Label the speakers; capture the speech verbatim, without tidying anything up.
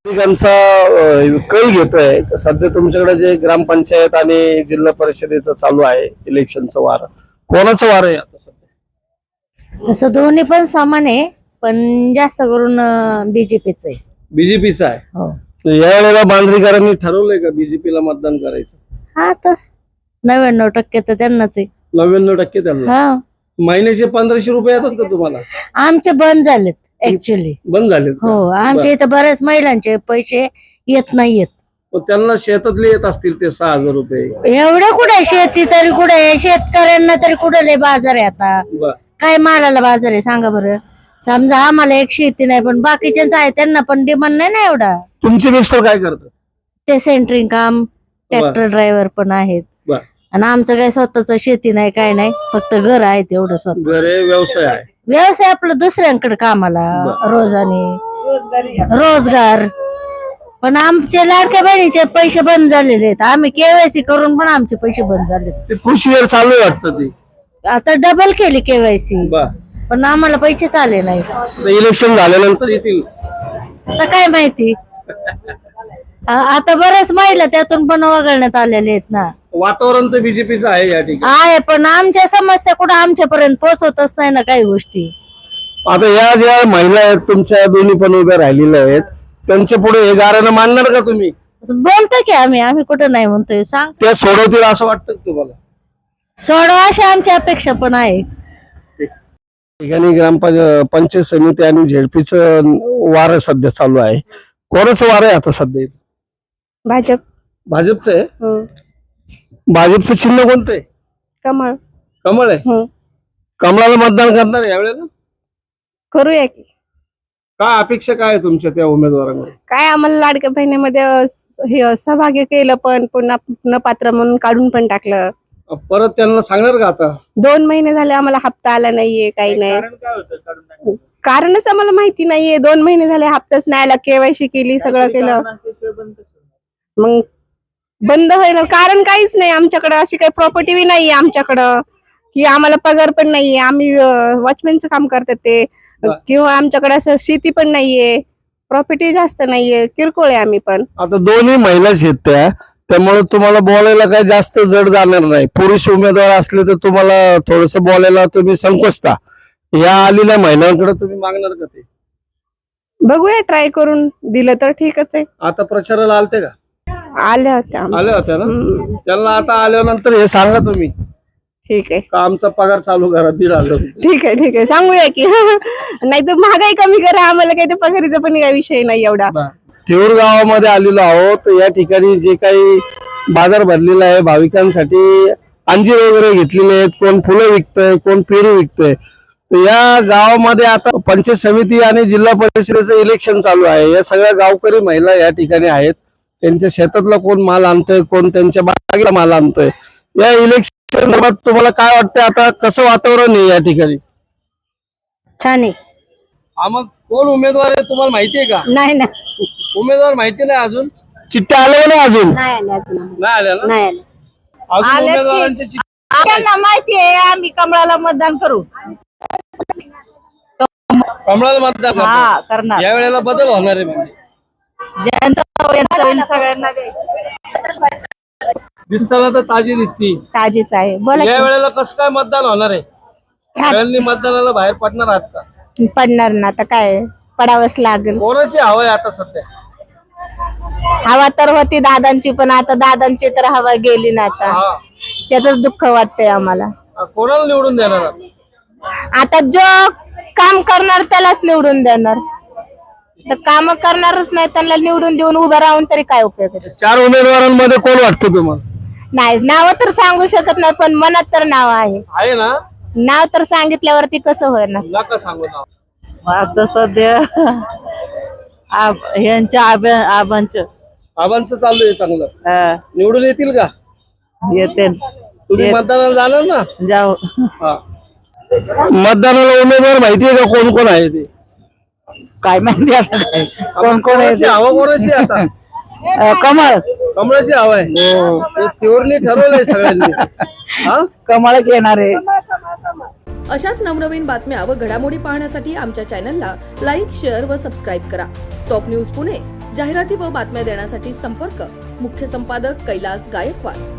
Speaker 1: नागरिकांचा अ, कल घेतोय. सध्या तुमच्याकडे जे ग्रामपंचायत आणि जिल्हा परिषदेचं चालू आहे इलेक्शनचं वार, कोणाचं वार आहे आता सध्या?
Speaker 2: तसं दोन्ही पण समान आहे, पण जास्त करून बीजेपीच आहे.
Speaker 1: बीजेपीचं आहे.
Speaker 2: हो,
Speaker 1: तर या वेळेला बांद्रीकरांनी ठरवलंय का बीजेपीला मतदान करायचं?
Speaker 2: हा तर नव्याण्णव टक्के तर त्यांनाच आहे.
Speaker 1: नव्याण्णव टक्के त्यांना.
Speaker 2: हा,
Speaker 1: महिन्याचे पंधराशे रुपये येतात का तुम्हाला?
Speaker 2: आमचे बंद झालेत ऍक्च्युली.
Speaker 1: बंद झाले.
Speaker 2: हो, आमच्या इथं बऱ्याच महिलांचे पैसे येत नाहीयेत.
Speaker 1: त्यांना शेतातले येत असतील ते सहा हजार रुपये.
Speaker 2: एवढं कुठे शेती तरी कुठे, शेतकऱ्यांना तरी कुठे लय बाजार आहे आता?
Speaker 1: बर.
Speaker 2: काय मालाला बाजार आहे सांगा बरं? समजा आम्हाला एक शेती नाही, पण बाकीच्यांचं आहे, त्यांना पण डिमांड नाही ना एवढा.
Speaker 1: तुमचे मिस्टर काय करतात?
Speaker 2: ते सेंटरिंग काम, ट्रॅक्टर ड्रायव्हर पण आहेत.
Speaker 1: बर.
Speaker 2: आणि आमचं काही स्वतःच शेती नाही, काय नाही, फक्त घर आहे तेवढं स्वतः.
Speaker 1: घरे व्यवसाय आहे.
Speaker 2: व्यवसाय आपलं दुसऱ्यांकडे कामाला रोजाने रोजगार. पण आमचे लाडक्या बहिणीचे पैसे बंद झालेले आहेत. आम्ही केवायसी करून पण आमचे पैसे बंद झाले.
Speaker 1: ते कृषीवर चालू आहे वाटतं ते.
Speaker 2: आता डबल केली केवायसी,
Speaker 1: बर.
Speaker 2: पण आम्हाला पैसे आले नाही.
Speaker 1: इलेक्शन झाल्यानंतर येतील.
Speaker 2: आता काय माहिती. आ- आता बऱ्याच महिला त्यातून पण वगळण्यात आलेले आहेत ना.
Speaker 1: वातावरण तर बीजेपीचं आहे या ठिकाणी.
Speaker 2: आहे, पण आमच्या समस्या कुठं आमच्यापर्यंत पोहोचतच नाही ना काही गोष्टी.
Speaker 1: आता या ज्या महिला आहेत तुमच्या दोन्ही पण उभ्या राहिलेल्या आहेत, त्यांच्या पुढे हे गाऱ्यानं मांडणार का तुम्ही?
Speaker 2: बोलतो की आम्ही आम्ही कुठं नाही म्हणतोय, सांग.
Speaker 1: त्या सोडवतील असं वाटतं का तुम्हाला?
Speaker 2: सोडवा अशी आमची अपेक्षा पण आहे.
Speaker 1: ठिकाणी ग्रामपंचायत समिती आणि झेडपीचं वार सध्या चालू आहे. कोणाचं वार आहे आता सध्या?
Speaker 3: भाजप.
Speaker 1: भाजपचं आहे.
Speaker 3: हो.
Speaker 1: भाजपचं चिन्ह कोणतं आहे?
Speaker 3: कमळ.
Speaker 1: कमळ आहे.
Speaker 3: हो.
Speaker 1: कमळाला मतदान करणार आहे यावेळेला?
Speaker 3: करूया की.
Speaker 1: काय अपेक्षा काय आहे तुमच्या त्या उमेदवारांकडे?
Speaker 3: काय आम्हाला लाडक्या बहिणीमध्ये अ, हे सहभागी केलं, पण पुन्हा न पात्र म्हणून काढून पण टाकलं.
Speaker 1: परत त्यांना सांगणार का आता?
Speaker 3: दोन महिने झाले आम्हाला हप्ता आला नाहीये, काही नाही. कारणच आम्हाला माहिती नाहीये. दोन महिने झाले हप्ताच नाही आला. केवायसी केली, सगळं केलं, मग बंद होईल. कारण काहीच नाही आमच्याकडे. अशी काही प्रॉपर्टी बी नाहीये आमच्याकडं, की आम्हाला पगार पण नाहीये. आम्ही वॉचमॅनचं काम करतात ते, किंवा आमच्याकडे असं शेती पण नाहीये, प्रॉपर्टी जास्त नाहीये, किरकोळ आहे आम्ही पण.
Speaker 1: आता दोन्ही महिलाच आहेत त्या, त्यामुळे तुम्हाला बोलायला काही जास्त जड जाणार नाही. पुरुष उमेदवार असले तर तुम्हाला थोडस बोलायला तुम्ही संकोचता. या आलेल्या महिलांकडे तुम्ही मागणार का ते?
Speaker 3: बघूया, ट्राय करून दिलं तर ठीकच आहे.
Speaker 1: आता प्रचाराला आलते का?
Speaker 3: आल्या होत्या.
Speaker 1: आल्या होत्या ना.
Speaker 3: हम्म.
Speaker 1: त्यांना आता आल्यानंतर हे सांगा तुम्ही
Speaker 3: ठीक आहे.
Speaker 1: का आमचा पगार चालू करा दीड हजार रुपये.
Speaker 3: ठीक आहे, ठीक आहे, सांगूया की. नाही तर महागाई कमी करा, आम्हाला काही ते पगारीचा पण काही विषय नाही एवढा.
Speaker 1: थेऊर गावामध्ये आलेलो आहोत. या ठिकाणी जे काही बाजार भरलेला आहे भाविकांसाठी, अंजीर वगैरे घेतलेले आहेत, कोण फुलं विकतय, कोण पेरू विकतय. तर या गावामध्ये आता पंचायत समिती आणि जिल्हा परिषदेचं इलेक्शन चालू आहे. या सगळ्या गावकरी महिला या ठिकाणी आहेत. त्यांच्या शेतातला कोण माल आणतोय, कोण त्यांच्या बागेला माल आणतोय. या इलेक्शन संदर्भात तुम्हाला काय वाटतं? आता कसं वातावरण आहे या ठिकाणी?
Speaker 2: छान आहे.
Speaker 1: हा, मग कोण उमेदवार आहे तुम्हाला माहिती आहे का?
Speaker 2: नाही ना,
Speaker 1: उमेदवार माहिती नाही अजून. चिठ्ठ्या आल्या नाही अजून?
Speaker 2: नाही आले अजून.
Speaker 1: नाही आल्या ना.
Speaker 2: नाही आले.
Speaker 1: अजून
Speaker 2: आल्यात की.
Speaker 1: उमेदवारांची चिठ्ठी-
Speaker 2: त्यांना माहिती आहे आम्ही कमळाला मतदान करू.
Speaker 1: कमळाला मतदान करणार.
Speaker 2: हा, करणार.
Speaker 1: या वेळेला बदल होणार आहे म्हणजे.
Speaker 2: ज्यांचा यांचा होईल सगळ्यांना दे.
Speaker 1: दिसताना तर ताजी दिसती.
Speaker 2: ताजीच आहे. बोला
Speaker 1: या
Speaker 2: की.
Speaker 1: वेळेला कसं काय मतदान होणार आहे? सगळ्यांनी मतदानाला बाहेर पडणार आहात का?
Speaker 2: पडणार ना, आता काय पडावंच लागेल.
Speaker 1: कोणाची हवा आहे आता सध्या?
Speaker 2: हवा तर होती दादांची, पण आता दादांची तर हवा गेली ना. आता
Speaker 1: हा.
Speaker 2: त्याच दुःख वाटतंय आम्हाला.
Speaker 1: कोणाला निवडून देणार आहात?
Speaker 2: आता जो काम करणार त्यालाच निवडून देणार. तर काम करणारच नाही त्यांना निवडून देऊन उभं राहून तरी काय उपयोग आहे?
Speaker 1: चार उमेदवारांमध्ये कोण वाटतं तुम्हाला?
Speaker 2: नाही, नाव तर सांगू शकत नाही, पण मनात तर नाव आहे.
Speaker 1: आहे ना.
Speaker 2: नाव तर सांगितल्यावरती कसं होणार?
Speaker 1: नका सांगू नाव.
Speaker 4: आता सध्या आब- ह्यांच्या आब्या आबांचं
Speaker 1: आबांचं चालू आहे चांगलं.
Speaker 4: हा,
Speaker 1: निवडून येतील का?
Speaker 4: येते
Speaker 1: तुम्ही
Speaker 4: येत-
Speaker 1: मतदानाला जाणार ना?
Speaker 4: जाऊ.
Speaker 1: हा. मतदानाला उमेदवार माहिती आहे का कोण कोण आहे ते?
Speaker 4: काय माहिती आता काय कोण कोण आहे
Speaker 1: कोणाची हवा कोणाची आहे आता?
Speaker 4: अं, कमळ
Speaker 1: कमळाची हवा आहे. ते थेऊरने ठरवलंय सगळ्यांनी. हा,
Speaker 4: कमळच येणार आहे.
Speaker 5: अशाच नवनवीन बातम्या व घडामोडी पाहण्यासाठी आमच्या चॅनलला लाईक, शेअर व सबस्क्राईब करा. टॉप न्यूज पुणे जाहिराती व बातम्या देण्यासाठी संपर्क मुख्य संपादक कैलास गायकवाड.